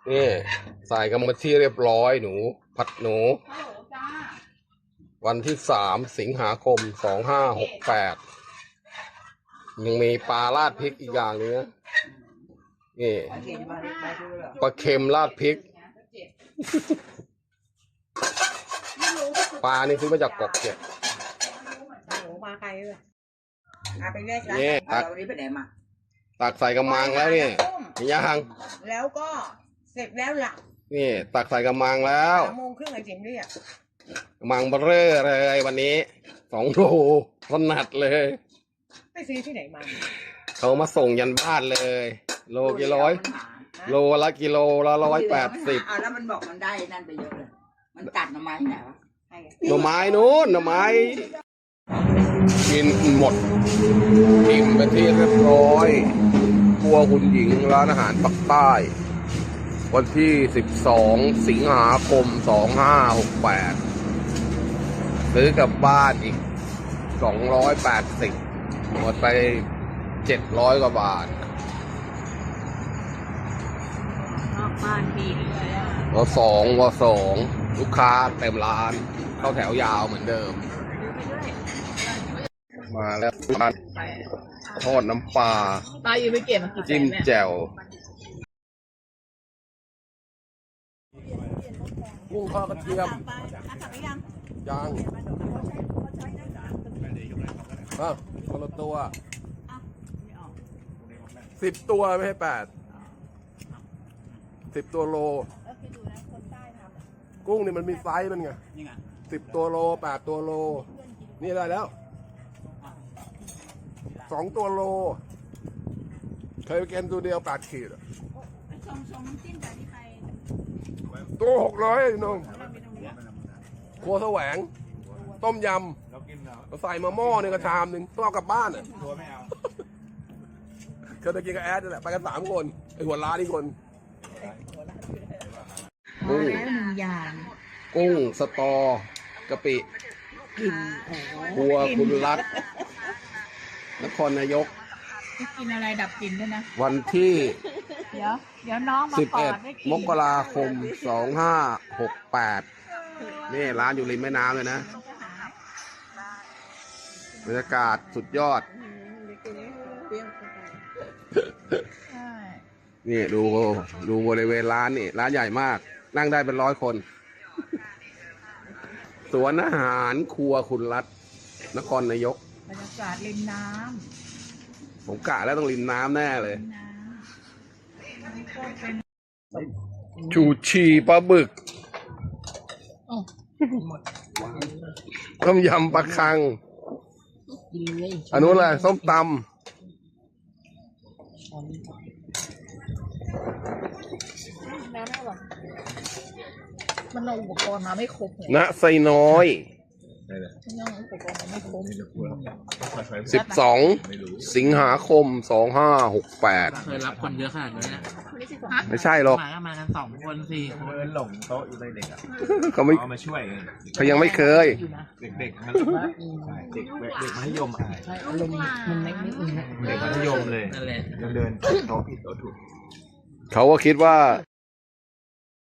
นี่ใส่กันมาที่เรียบร้อยหนูผัดหนูวันที่3 สิงหาคม 2568ยังมีปลาราดพริกอีกอย่างนึงนะนี่ปลาเค็มราดพริกปลานี่ซื้อมาจากเกาะเกร็ดมาใครเลยไปแยกกันนี่ตักวันนี้ไปไหนมาตักใส่กระมังแล้วนี่ยังแล้วก็เสร็จแล้วล่ะนี่ตักใส่กระมังแล้ว 3:30ไอ้จิ๋มเรียกกระมังเบ้อเลยวันนี้2 โลถนัดเลยไปซื้อที่ไหนมาเขามาส่งยันบ้านเลย โลกี่ร้อยโลละกิโลละ180 แล้วมันบอกมันได้นั่นไปเยอะเลยมันตัดหน่อไม้ไหนวะหน่อไม้นู้นหน่อไม้กินหมดกินไปที่เรียบร้อยครัวคุณหญิงร้านอาหารปักใต้วันที่12 สิงหาคม 2568ซื้อกลับบ้านอีก280หมดไป700 กว่าบาทบ้านดีเลยอ่ะว.2 ลูกค้าเต็มร้านเข้าแถวยาวเหมือนเดิมมาแล้วทอดน้ำปลาป้าอยู่ไปเก็บมากี่แสนจิ้มเนี่ยแจ่วกุ้งทอดกระเทียมยังคนละตัว10 ตัวไม่ให้10 ตัวโลกุ้งนี่มันมีไซส์มันไง10 ตัวโล8 ตัวโลนี่ได้แล้ว2 ตัวโลเคยไปกินตัวเดียว8 ขีดตัว600น้องครัวแสวงต้มยำใส่มาหม้อนึงกระชามนึงต้องเอากลับบ้านอ่ะเคยไปกินกับแอดนี่แหละไปกัน3 คนไอหัวร้านนี่คนกุ้งกุ้งสตอกะปิครัวคุณรัตนครนายกกินอะไรดับกลิ่นด้วยนะวันที่เดี๋ยวน้องมาปอดได้กิน 11 มกราคม 2568นี่ร้านอยู่ริมแม่น้ำเลยนะบรรยากาศสุดยอดนี่ดูบริเวณร้านนี่ร้านใหญ่มากนั่งได้เป็น100 คนสวนอาหารครัวคุณรัตนครนายกบรรยากาศริมน้ผมกะแล้วต้องริมน้ำแน่เลยชูชีปลาบึกต้มยำปลาคังอันนู้นอะไรส้มตำมันเอาอุปกรณ์มาไม่ครบณไซน้อย12 สิงหาคม 2568 เคยรับคนเยอะขนาดนี้นะไม่ใช่หรอกมากัน2 คน4 คนหลงโต๊ะอยู่เลยเด็กอ่ะเขาไม่เอามาช่วยเขายังไม่เคยเด็กมันเด็กมัธยมใช่อารมณ์มันไม่เด็กมัธยมเลยยังเดินโต๊ะผิดโต๊ะถูกเขาก็คิดว่า